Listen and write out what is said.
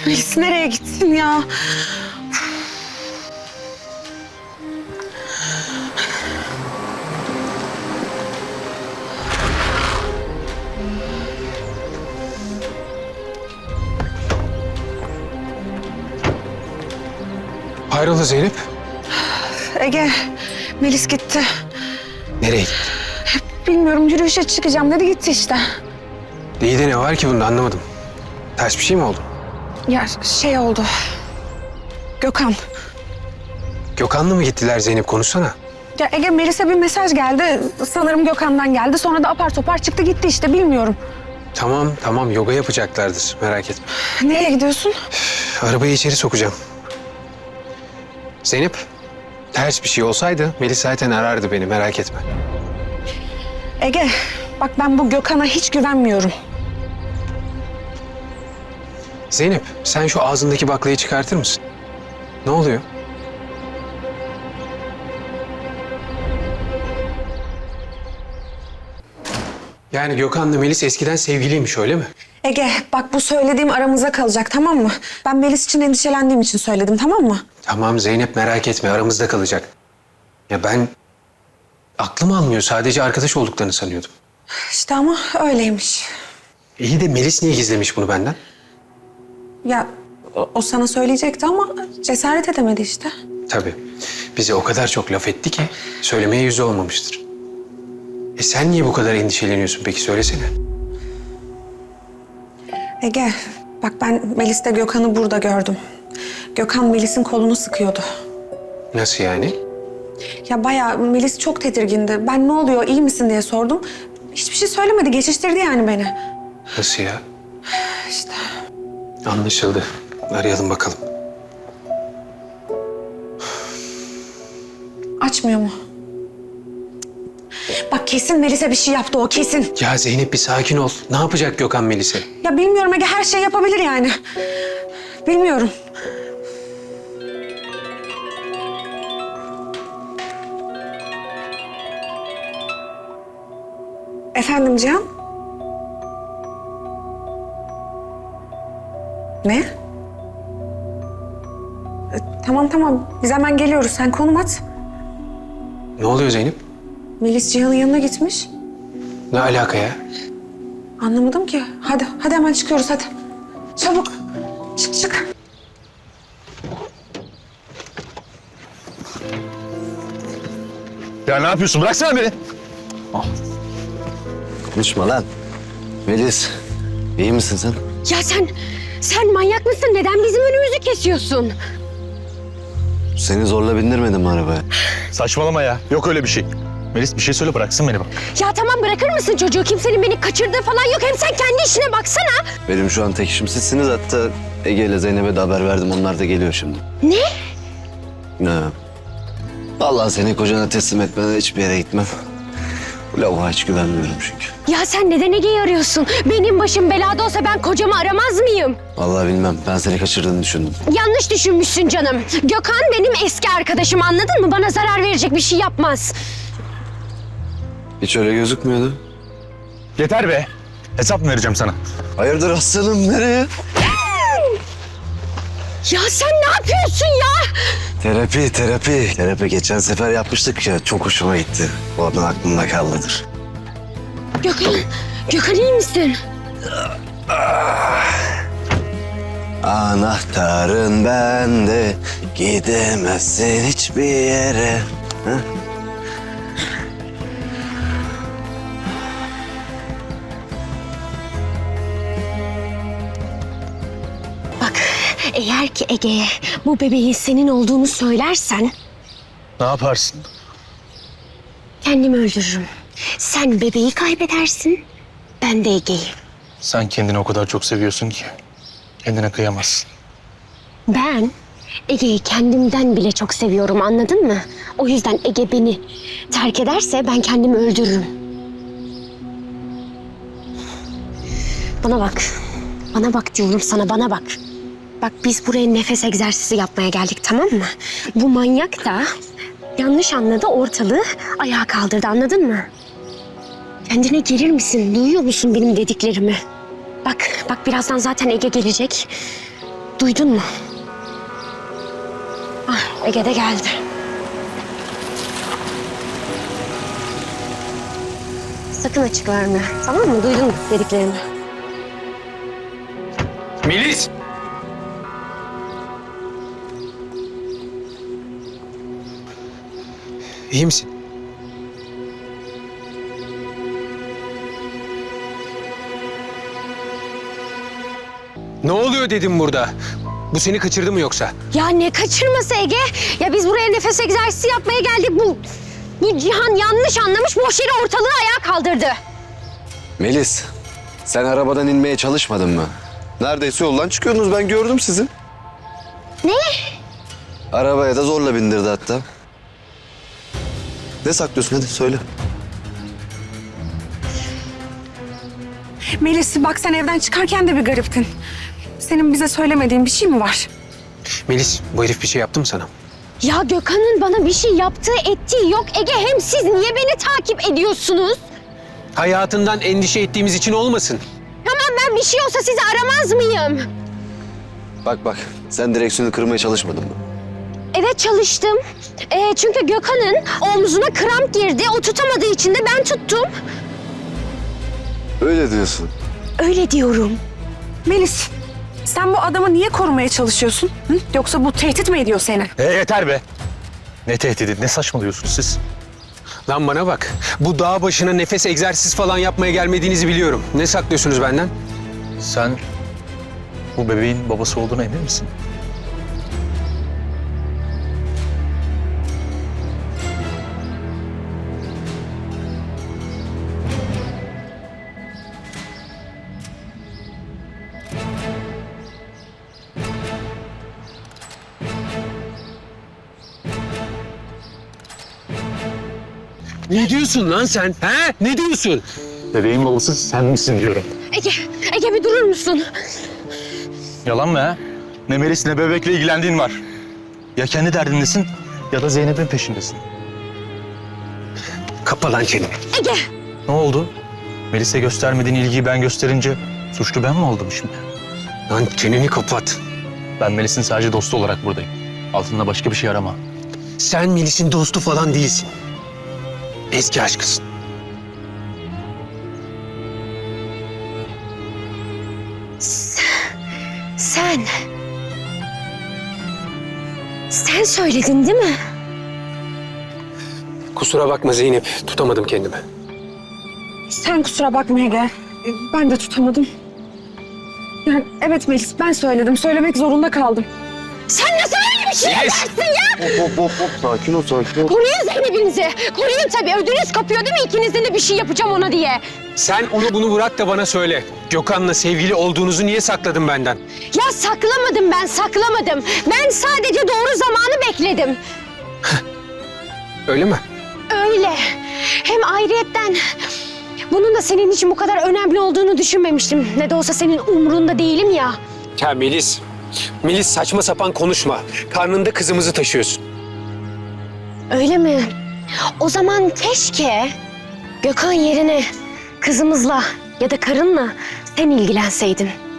Melis nereye gitsin ya? Hayrola Zeynep? Ege, Melis gitti. Nereye gitti? Bilmiyorum, yürüyüşe çıkacağım dedi, gitti işte. İyi de ne var ki bunda, anlamadım. Ters bir şey mi oldu? Ya şey oldu. Gökhan. Gökhan'la mı gittiler Zeynep, konuşsana. Ya Ege, Melis'e bir mesaj geldi. Sanırım Gökhan'dan geldi. Sonra da apar topar çıktı gitti işte, bilmiyorum. Tamam yoga yapacaklardır, merak etme. Nereye gidiyorsun? Arabayı içeri sokacağım. Zeynep, ters bir şey olsaydı Melis zaten arardı beni, merak etme. Ege, bak ben bu Gökhan'a hiç güvenmiyorum. Zeynep, sen şu ağzındaki baklayı çıkartır mısın? Ne oluyor? Yani Gökhan'la Melis eskiden sevgiliymiş, öyle mi? Ege, bak bu söylediğim aramıza kalacak, tamam mı? Ben Melis için endişelendiğim için söyledim, tamam mı? Tamam Zeynep, merak etme, aramızda kalacak. Ya ben aklım almıyor, sadece arkadaş olduklarını sanıyordum. İşte ama öyleymiş. İyi de Melis niye gizlemiş bunu benden? Ya o sana söyleyecekti ama cesaret edemedi işte. Tabii. Bize o kadar çok laf etti ki söylemeye yüzü olmamıştır. Sen niye bu kadar endişeleniyorsun peki, söylesene. Ege, bak ben Melis'te Gökhan'ı burada gördüm. Gökhan Melis'in kolunu sıkıyordu. Nasıl yani? Ya bayağı Melis çok tedirgindi. Ben ne oluyor, iyi misin diye sordum. Hiçbir şey söylemedi, geçiştirdi yani beni. Nasıl ya? İşte. Anlaşıldı. Arayalım bakalım. Açmıyor mu? Bak kesin Melis'e bir şey yaptı o, kesin. Ya Zeynep bir sakin ol. Ne yapacak Gökhan Melis'e? Ya bilmiyorum Ege, her şey yapabilir yani. Bilmiyorum. Efendim Cihan? Ne? Tamam. Biz hemen geliyoruz. Sen konum at. Ne oluyor Zeynep? Melis Cihan'ın yanına gitmiş. Ne alaka ya? Anlamadım ki. Hadi hemen çıkıyoruz hadi. Çabuk. Çık. Ya ne yapıyorsun? Bıraksana beni. Konuşma lan. Melis, iyi misin sen? Ya sen manyak mısın? Neden bizim önümüzü kesiyorsun? Seni zorla bindirmedim mi arabaya? Saçmalama ya. Yok öyle bir şey. Melis bir şey söyle, bıraksın beni bak. Ya tamam, bırakır mısın çocuğu? Kimsenin beni kaçırdığı falan yok. Hem sen kendi işine baksana. Benim şu an tek işim sizsiniz. Hatta Ege ile Zeynep'e de haber verdim. Onlar da geliyor şimdi. Ne? Ne? Vallahi seni kocana teslim etmeden hiçbir yere gitmem. Bu lavuğa hiç güvenmiyorum çünkü. Ya sen neden Ege'yi arıyorsun? Benim başım belada olsa ben kocamı aramaz mıyım? Vallahi bilmem. Ben seni kaçırdığını düşündüm. Yanlış düşünmüşsün canım. Gökhan benim eski arkadaşım, anladın mı? Bana zarar verecek bir şey yapmaz. Hiç öyle gözükmüyordu. Yeter be. Hesap mı vereceğim sana? Hayırdır aslanım, nereye? Ya sen ne yapıyorsun ya? Terapi. Terapi geçen sefer yapmıştık ya. Çok hoşuma gitti. Oradan aklımda kaldıdır. Gökhan iyi misin? Anahtarın bende, gidemezsin hiçbir yere. Ha? Bak, eğer ki Ege'ye bu bebeğin senin olduğunu söylersen Ne yaparsın? kendimi öldürürüm. Sen bebeği kaybedersin, ben de Ege'yi. Sen kendini o kadar çok seviyorsun ki kendine kıyamazsın. Ben Ege'yi kendimden bile çok seviyorum, anladın mı? O yüzden Ege beni terk ederse ben kendimi öldürürüm. Bana bak diyorum sana, bana bak. Bak biz buraya nefes egzersizi yapmaya geldik, tamam mı? Bu manyak da yanlış anladı, ortalığı ayağa kaldırdı, anladın mı? Kendine gelir misin? Duyuyor musun benim dediklerimi? Bak birazdan zaten Ege gelecek. Duydun mu? Ah, Ege de geldi. Sakın açık verme. Tamam mı? Duydun mu dediklerimi? Melis! İyi misin? Ne oluyor dedim burada? Bu seni kaçırdı mı yoksa? Ya ne kaçırması Ege? Ya biz buraya nefes egzersizi yapmaya geldik. Bu Cihan yanlış anlamış, boş yere ortalığı ayağa kaldırdı. Melis, sen arabadan inmeye çalışmadın mı? Neredeyse yoldan çıkıyordunuz, ben gördüm sizi. Ne? Arabaya da zorla bindirdi hatta. Ne saklıyorsun, hadi söyle. Melis bak sen evden çıkarken de bir gariptin. Senin bize söylemediğin bir şey mi var? Melis, bu herif bir şey yaptı mı sana? Ya Gökhan'ın bana bir şey yaptığı ettiği yok. Ege hem siz niye beni takip ediyorsunuz? Hayatından endişe ettiğimiz için olmasın. Tamam ben bir şey olsa sizi aramaz mıyım? Bak, sen direksiyonu kırmaya çalışmadın mı? Evet çalıştım. Çünkü Gökhan'ın omzuna kramp girdi. O tutamadığı için de ben tuttum. Öyle diyorsun. Öyle diyorum. Melis sen bu adamı niye korumaya çalışıyorsun? Hı? Yoksa bu tehdit mi ediyor seni? Yeter be. Ne tehdidi, ne saçmalıyorsunuz siz? Lan bana bak, bu dağ başına nefes egzersiz falan yapmaya gelmediğinizi biliyorum. Ne saklıyorsunuz benden? Sen bu bebeğin babası olduğuna emin misin? Ne diyorsun lan sen? He? Ne diyorsun? Bebeğin babası sen misin diyorum. Ege bir durur musun? Yalan mı ha? Ne Melis ne bebekle ilgilendiğin var. Ya kendi derdindesin ya da Zeynep'in peşindesin. Kapa lan çeneni. Ege! Ne oldu? Melis'e göstermediğin ilgiyi ben gösterince suçlu ben mi oldum şimdi? Lan çeneni kapat. Ben Melis'in sadece dostu olarak buradayım. Altında başka bir şey arama. Sen Melis'in dostu falan değilsin. Eski aşkısın. Sen söyledin değil mi? Kusura bakma Zeynep, tutamadım kendimi. Sen kusura bakma Ege. Ben de tutamadım. Yani evet Melis ben söyledim. Söylemek zorunda kaldım. Sen nasıl öyle bir şey yaparsın ya? Hop, sakin ol. Koruyun Zeynep'inizi. Koruyun tabii. Ödünüz kopuyor değil mi? İkinizden de bir şey yapacağım ona diye. Sen onu bunu bırak da bana söyle. Gökhan'la sevgili olduğunuzu niye sakladın benden? Ya saklamadım ben, saklamadım. Ben sadece doğru zamanı bekledim. Öyle mi? Öyle. Hem ayrıyetten bunun da senin için bu kadar önemli olduğunu düşünmemiştim. Ne de olsa senin umrunda değilim ya. Ya Melis, Melis saçma sapan konuşma. Karnında kızımızı taşıyorsun. Öyle mi? O zaman keşke Gökhan yerine kızımızla ya da karınla sen ilgilenseydin.